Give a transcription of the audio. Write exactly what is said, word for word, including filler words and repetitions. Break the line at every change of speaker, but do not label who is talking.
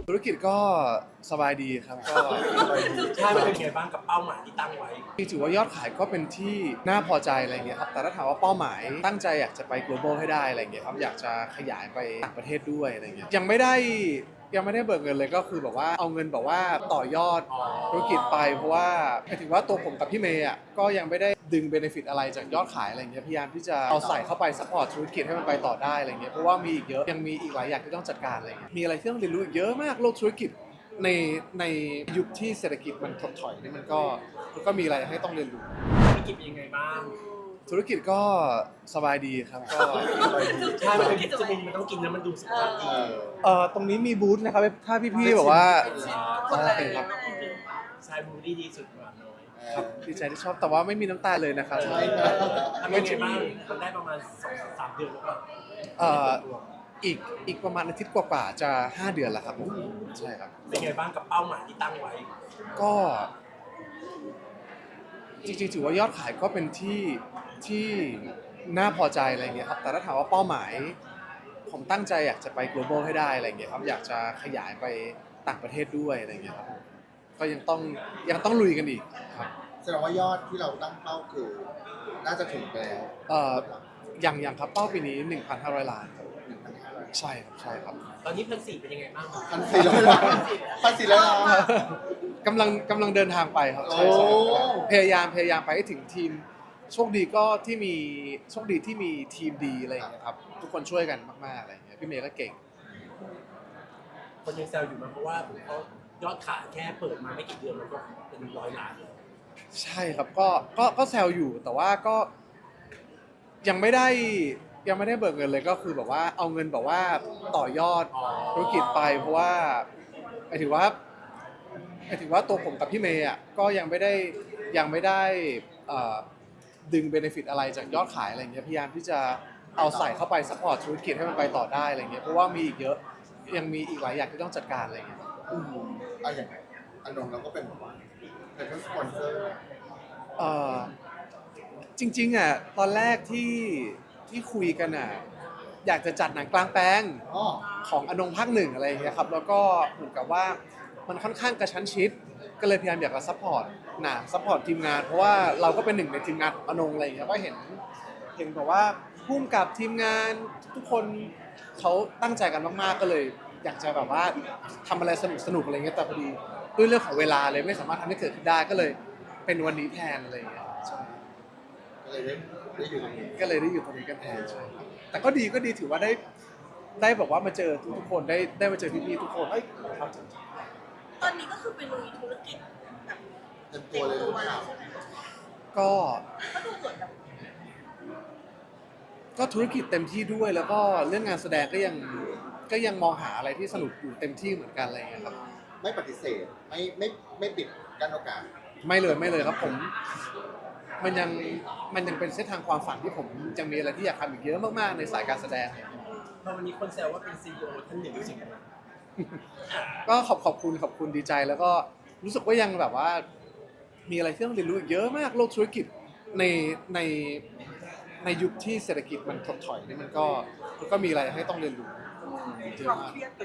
ธุรกิจก็สบายดีครับก็
ใช่มันเป็นไงบ้างกับเป้าหมายที่ตั้งไว้
ถือว่ายอดขายก็เป็นที่น่าพอใจอะไรเงี้ยครับแต่ถ้าถามว่าเป้าหมายตั้งใจอยากจะไป global ให้ได้อะไรเงี้ยครับอยากจะขยายไปต่างประเทศด้วยอะไรเงี้ยยังไม่ได้ยังไม่ได้เบิกเงินเลยก็คือแบบว่าเอาเงินแบบว่าต่อยอดธุรกิจไปเพราะว่าหมายถึงว่าตัวผมกับพี่เมย์อ่ะก็ยังไม่ได้ดึงเบเนฟิตอะไรจากยอดขายอะไรเงี้ยพยายามที่จะเอาใส่เข้าไปซัพพอร์ตธุรกิจให้มันไปต่อได้อะไรเงี้ยเพราะว่ามีอีกเยอะยังมีอีกหลายอย่างที่ต้องจัดการอะไรเงี้ยมีอะไรที่ต้องเรียนรู้อีกเยอะมากโลกธุรกิจในในยุคที่เศรษฐกิจมันถดถอยนี่มันก็มันก็มีอะไรให้ต้องเรียนรู้
ธุรกิจเป็นยังไงบ้าง
ธุรกิจก็สบายดีครับก็
ใช่มันเป็นวิตามินมันต้องกินนะมันดูสุขภาพดี
เอ่อตรงนี้มีบูธนะครับถ้าพี่ๆแบบว่า
คนละ
โอเคครับ
ใช่บูดี้ดีสุดกว่าน้อย
ครับดีใจที่ชอบแต่ว่าไม่มีน้ำตาลเลยนะครับ
ใช่ครับ
ทำเป็นไงบ้างมันได้ประมาณสองสามเดือนแล้วก็
เอ่ออีกอีกประมาณอาทิตย์กว่าๆจะห้าเดือนแล้วครับผมใช่ครับ
เป็นไงบ้างกับเป้าหมายที่ตั้งไว้
ก็จริงๆถือว่ายอดขายก็เป็นที่ที่น่าพอใจอะไรเงี้ยครับแต่ถ้าถามว่าเป้าหมายผมตั้งใจอยากจะไป global ให้ได้อะไรเงี้ยครับอยากจะขยายไปต่างประเทศด้วยอะไรเงี้ยครับก็ยังต้องยังต้องลุยกันอีกครับ
แสดงว่ายอดที่เราตั้งเป้าคือ น่าจะถึงไปแล้ว
เอ่ออย่างอย่างครับเป้าปีนี้ หนึ่งพันห้าร้อย ล้านครับ
หนึ่งพันห้าร้อย
ใช่ครับใช่ครับ
ตอนนี้พันสี่เป็นยังไงบ้าง
พันสี่ร้อยล้านพันสี่ร้อยล้าน
กำลังกำลังเดินทางไปครับใช่ใช่
โอ้
พยายามพยายามไปให้ถึงทีมโชคดีก็ที่มีโชคดีที่มีทีมดีอะไรอย่างเงี้ยครับทุกคนช่วยกันมากๆอะไรอย่างเงี้ยพี่เมย์ก็เก่ง
คนยังแซวอยู่มาเพราะว่าเขายอดขายแค่เปิดมาไม่กี่เดือนมันก็เป็นร้อยล้านแล้ว
ใช่ครับก็ก็ก็แซวอยู่แต่ว่าก็ยังไม่ได้ยังไม่ได้เบิกเงินเลยก็คือแบบว่าเอาเงินแบบว่าต่อยอดธุรกิจไปเพราะว่าหมายถึงว่าหมายถึงว่าตัวผมกับพี่เมย์อ่ะก็ยังไม่ได้ยังไม่ได้เอ่อดึงเบเนฟิตอะไรจากยอดขายอะไรเงี้ยพยายามที่จะเอาใส่เข้าไปซัพพอร์ตธุรกิจให้มันไปต่อได้อะไรเงี้ยเพราะว่ามีอีกเยอะยังมีอีกหลายอย่างที่ต้องจัดการอะไรเงี้ย
อืมอะอย่างอันนงเราก็เป็นแบบว่าเป็นทั้งสปอนเซอร์
เอ่อจริงๆอ่ะตอนแรกที่ที่คุยกันอ่ะอยากจะจัดหนังกลางแปลง
อ๋อ
ของอนงภาคหนึ่งอะไรอย่างเงี้ยครับแล้วก็เหมือนกับว่ามันค่อนข้างกระชั้นชิด ก็เลยพยายามอยากจะซัพพอร์ตหนังซัพพอร์ตทีมงาน เพราะว่าเราก็เป็นหนึ่งในทีมงานของอนงอะไรอย่างเงี้ยก็เห็นเห็นแบบว่าพุ่มกับทีมงานทุกคนเขาตั้งใจกันมากๆก็เลย อยากจะแบบว่าทำอะไรสนุกสนุกๆอะไรเงี้ยแต่พอดีด้วยเรื่องของเวลาเลยไม่สามารถทำให้เกิดขึ้นได้ก็เลยเป็นวันนี้แทนอะไรอย่างเงี้ยใช่
ก็เลยได้ได้อยู่ตรงนี้
ก็เลยได้อยู่ตรงนี้กันแทนใช่ครับแต่ก็ดีก็ดีถือว่าได้ได้แบบว่ามาเจอทุกๆคนได้ได้มาเจอพี่ๆทุกคนเอ้ยครับ
ตอนนี้ก็คือไปลุยธุรกิจแบบ
เต็มตัวเลยหรือเปล่า
ใช่ไหม
ก็
ก็ดูเหมือนแบบ
ก็ธุรกิจเต็มที่ด้วยแล้วก็เรื่องงานแสดงก็ยังก็ยังมองหาอะไรที่สนุกอยู่เต็มที่เหมือนกันอะไรอย่างเงี้ยครับ
ไม่ปฏิเสธ ไม่ไม่ไม่ปิดกั้นโอกาส
ไม่เลยไม่เลยครับผม มันยังมันยังเป็นเส้นทางความฝันที่ผมยังมีอะไรที่อยากทำอีกเยอะมากๆในสายการแสดง
พอวันนี้คนแซวว่าเป็นซีอีโอท่านหนึ่งรู้สึกยังไง
ก็ขอบขอบคุณขอบคุณดีใจแล้วก็รู้สึกว่ายังแบบว่า มีอะไรที่ต้องเรียนรู้อีกเยอะมากโลกธุรกิจในในในยุคที่เศรษฐกิจมันถดถอยนี่มันก็มันก็มีอะไรให้ต้องเรียนรู้เยอะ
ความ
มาก
เครียดกับ